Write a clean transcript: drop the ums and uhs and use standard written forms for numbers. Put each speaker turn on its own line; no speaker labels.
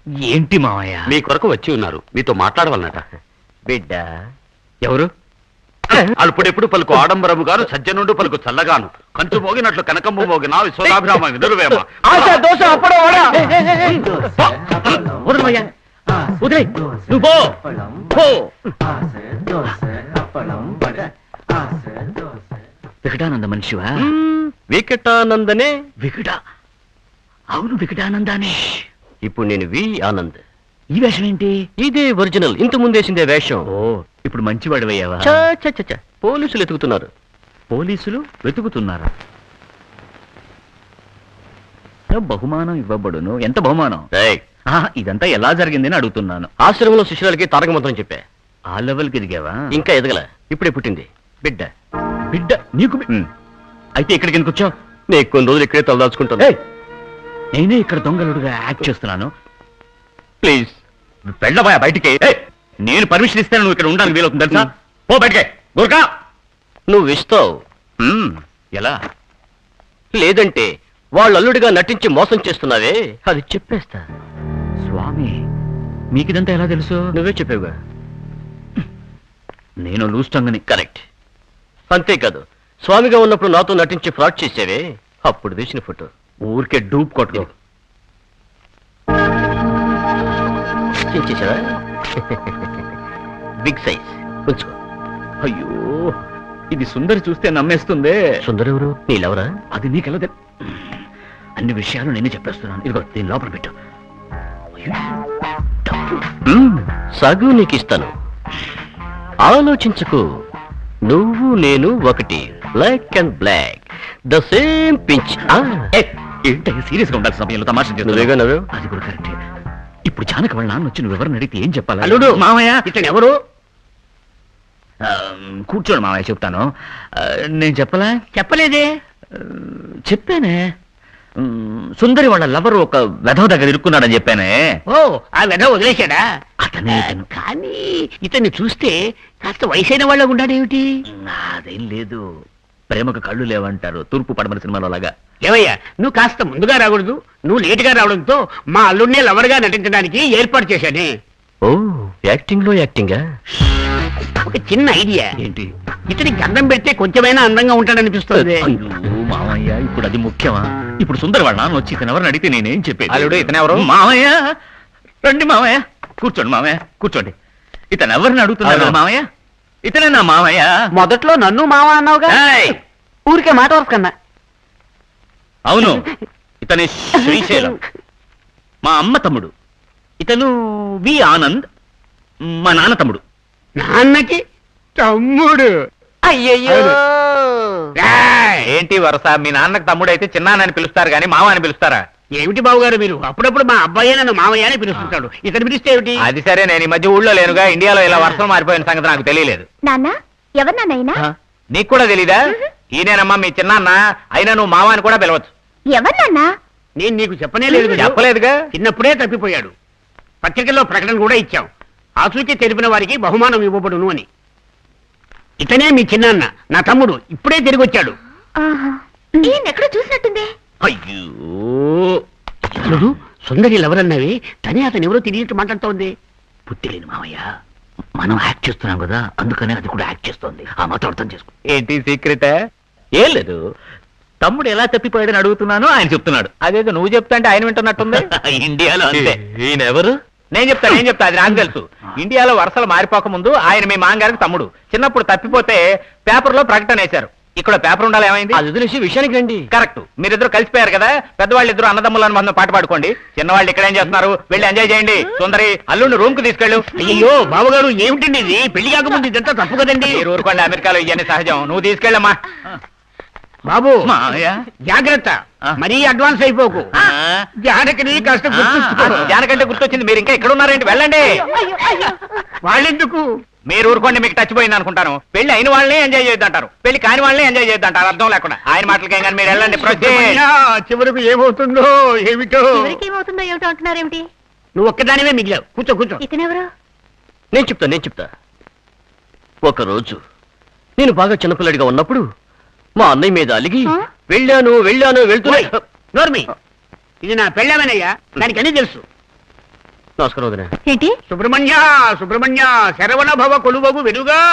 ఏంటి మావయ్య?
మీ కొరకు వచ్చి ఉన్నారు, మీతో మాట్లాడవాలన్నట.
బిడ్డ ఎవరు?
అల్పుడెప్పుడు పలుకు ఆడంబరము గాను, సజ్జనుండు పలుకు చల్లగాను, కంచు మోగినట్లు కనకమ్ము మోగిన విశ్వనాభిరామ వినురువేమ.
వికటానంద మనిషివా?
వికటానందనే.
వికట? అవును, వికటానందానే.
ఇప్పుడు నేను వి ఆనంద్.
ఈ వేషం ఏంటి?
ఇదే ఒరిజినల్, ఇంత ముందేసిందే వేషం.
ఓ, ఇప్పుడు మంచివాడివయ్యావా?
పోలీసులు ఎతుకుతున్నారు.
పోలీసులు వెతుకుతున్నారా? బహుమానం ఇవ్వబడును. ఎంత బహుమానం? ఇదంతా ఎలా జరిగిందని అడుగుతున్నాను.
ఆశ్రమంలో శిష్యులకి తారక మంత్రం చెప్పా.
ఆ లెవెల్కి ఎదిగావా?
ఇంకా ఎదగల, ఇప్పుడే పుట్టింది బిడ్డ.
బిడ్డ నీకు? అయితే ఇక్కడికి ఎందుకు వచ్చావు?
నేను కొన్ని రోజులు ఇక్కడే తలదాచుకుంటాను.
నేనే ఇక్కడ దొంగలుడుగా యాక్ట్ చేస్తున్నాను.
ప్లీజ్
వెళ్ళబోయా బయటికి. నేను పర్మిషన్ ఇస్తాను, నువ్వు ఇక్కడ ఉండడానికి వీలవుతుంది తెలుసా? పో బయటికే. గోర్ఖా,
నువ్వు ఇస్తావు.
ఎలా?
లేదంటే వాళ్ళు అల్లుడిగా నటించి మోసం చేస్తున్నావే, అది చెప్పేస్తా.
స్వామి, మీకిదంతా ఎలా తెలుసు?
నువ్వే చెప్పావుగా.
నేను లూస్టంగని.
కరెక్ట్. అంతేకాదు, స్వామిగా ఉన్నప్పుడు నాతో నటించి ఫ్రాడ్ చేసేవే, అప్పుడు తీసిన ఫోటో.
ఊరికే డూప్ కొట్టుకో.
చేసావా? బిగ్ సైజ్ ఉంచుకో.
అయ్యో, ఇది సుందరి చూస్తే నమ్మేస్తుందే.
సుందరి ఎవరు? నీళ్ళెవరా?
అది నీకెలా తెలు? అన్ని విషయాలు నేనే చెప్పేస్తున్నాను. ఇదిగో దీని లోపల పెట్టు.
సగు నీకు ఇస్తాను. ఆలోచించుకో. నువ్వు నేను ఒకటి, black and black, the same pinch.
ఏంటో సీరియస్ గా ఉండాల్సిన సమయంలో తమాషా
నువ్వేగా నవ్వు.
అది కూడా కరెక్టే. ఇప్పుడు జానకి వాళ్ళ నాన్న వచ్చి నువ్వు ఎవరిని అడిగితే ఏం చెప్పాలి?
అల్లుడు
మామయ్య,
ఇతను ఎవరు?
కూర్చోండి మామయ్య, చెప్తాను. నేను చెప్పలా?
చెప్పలేదే.
చెప్పానే. సుందరి వాళ్ళ లవర్ ఒక వెధవ దగ్గర ఇరుక్కున్నాడని చెప్పానే.
ఓ, ఆ వెధ వదిలేశాడా?
అతనే ఇతను.
కానీ ఇతన్ని చూస్తే కాస్త వయసైన వాళ్ళ ఉన్నాడేమిటి?
అదేం లేదు, ప్రేమకు కళ్ళు లేవంటారు, తూర్పు పడమర సినిమాలో లాగా.
ఏవయ్యా, నువ్వు కాస్త ముందుగా రాకూడదు. నువ్వు లేటుగా రావడంతో మా అల్లుడినే లవర్గా నటించడానికి ఏర్పాటు చేశానే.
ఓ, యాక్టింగ్ లో యాక్టింగా?
ఒక చిన్న ఐడియా.
ఏంటి?
ఇతనికి గంధం పెడితే కొంచెమైనా అందంగా ఉంటాడనిపిస్తుంది.
అయ్యో మామయ్య, ఇప్పుడు అది ముఖ్యమా? ఇప్పుడు సుందరి వాళ్ళ నాన్న వచ్చి ఇతను ఎవరిని అడిగితే నేనేం చెప్పేది?
అల్లుడు, ఇతను ఎవరు?
మామయ్య రండి. మామయ్య కూర్చోండి. మామయ్య కూర్చోండి. ఇతను ఎవరిని అడుగుతున్నాడు? మామయ్య ఇతనే నా మామయ్య.
మొదట్లో నన్ను మామ అన్నావుగా. ఊరికే మాట వరకు కన్నా.
అవును, ఇతని శ్రీశైలం, మా అమ్మ తమ్ముడు. ఇతను వి ఆనంద్, మా నాన్న తమ్ముడు.
నాన్నకి తమ్ముడు?
అయ్యయ్యో,
ఏంటి వరస? మీ నాన్నకు తమ్ముడు అయితే చిన్నాన్నని పిలుస్తారు కానీ మామ అని పిలుస్తారా?
ఏమిటి బాబుగారు మీరు? అప్పుడప్పుడు మా అబ్బాయి నన్ను మామయ్య అని పిలుస్తుంటాడు, ఇతను పిలిస్తే ఏమిటి?
అది సరే, నేను ఈ మధ్య ఊళ్ళో లేనుగా. ఇండియాలో ఇలా వర్షం మారిపోయిన సంగతి నాకు తెలియలేదు.
నాన్న ఎవరు నాన్నైనా?
నీకు కూడా తెలీదా? ఈయనేనమ్మా మీ చిన్నాన్న. అయినా నువ్వు మామ అని కూడా పిలవచ్చు.
ఎవరు నాన్న?
నేను నీకు చెప్పనే లేదు కదా.
చెప్పలేదుగా.
చిన్నప్పుడే తప్పిపోయాడు. పత్రికల్లో ప్రకటన కూడా ఇచ్చాం, ఆచూకీ తెలిపిన వారికి బహుమానం ఇవ్వబడును అని. ఇతనే మీ చిన్నాన్న, నా తమ్ముడు. ఇప్పుడే తిరిగి వచ్చాడు.
ఈయన ఎక్కడ చూసినట్టుంది.
అయ్యో,
చూడు, సుందరి ఎవరన్నవి తనే అతను ఎవరో తిరిగి మాట్లాడుతోంది.
పుట్టిలేని మామయ్య, మనం యాక్ట్ చేస్తున్నాం కదా, అందుకనే అది కూడా యాక్ట్ చేస్తోంది. ఆ మాత్రం అర్థం చేసుకో. ఏంటి సీక్రెట్? ఏం లేదు, తమ్ముడు ఎలా తప్పిపోయాడని అడుగుతున్నాను, ఆయన చెప్తున్నాడు. అదేదో నువ్వు చెప్తా అంటే ఆయన వింటున్నట్టుంది. ఇండియాలో అంతే.
ఈయన ఎవరు?
నేను చెప్తా, అది నాకు తెలుసు. ఇండియాలో వరుసలు మారిపోక ముందు ఆయన మీ మాంగారికి తమ్ముడు. చిన్నప్పుడు తప్పిపోతే పేపర్లో ప్రకటన వేశారు. ఇక్కడ పేపర్ ఉండాలి, ఏమైంది?
అది వదిలేసి విషయానికి రండి.
కరెక్ట్, మీరిద్దరు కలిసిపోయారు కదా. పెద్దవాళ్ళు ఇద్దరు అన్నదమ్ములను మనం పాట పాడుకోండి. చిన్నవాళ్ళు ఇక్కడ ఏం చేస్తున్నారు? వెళ్ళి ఎంజాయ్ చేయండి. సుందరి, అల్లుడిని రూమ్ కు తీసుకెళ్ళు.
అయ్యో బాబుగారు, ఏమిటండి ఇది? పెళ్లి కాకముందు ఇదంతా తప్పు కదండి.
మీరు ఊరుకోండి, అమెరికాలో ఇవన్నీ సహజం. నువ్వు తీసుకెళ్ళమ్మా.
బాబు జాగ్రత్త, మరీ అడ్వాన్స్ అయిపోకు. జానకిని కాస్త గుర్తుంచుకో.
జానకంటే గుర్తొచ్చింది, మీరు ఇంకా ఇక్కడ ఉన్నారేంటి? వెళ్ళండి.
వాళ్ళెందుకు?
మీరు ఊరుకోండి, మీకు టచ్ పోయింది అనుకుంటాను. పెళ్లి అయిన వాళ్ళని ఎంజాయ్ చేద్దంటారు, పెళ్లి కాని వాళ్ళని ఎంజాయ్ చేద్దంటారు. అర్థం లేకుండా ఆయన మాటలకేం కానీ మీరు వెళ్ళండి.
చివరకు ఏమవుతుందో ఏమిటో.
ఏమవుతుందో ఏమిటో అంటున్నారేమిటి?
నువ్వు ఒక్కదానివే మిగిలావు. కూర్చో కూర్చో.
ఇతనెవరు?
నేను చెప్తా. ఒకరోజు నేను బాగా చిన్నపిల్లడిగా ఉన్నప్పుడు మా అన్నయ్య మీద అలిగి వెళ్ళాను వెళ్తున్నా.
నోర్మి, ఇది నా పెళ్ళామేనయ్యా, దానికి అన్నీ తెలుసు.
నమస్కారం వదినా.
ఏంటి
సుబ్రహ్మణ్య సుబ్రహ్మణ్య శరవణ భవ కొలువగు వెలుగా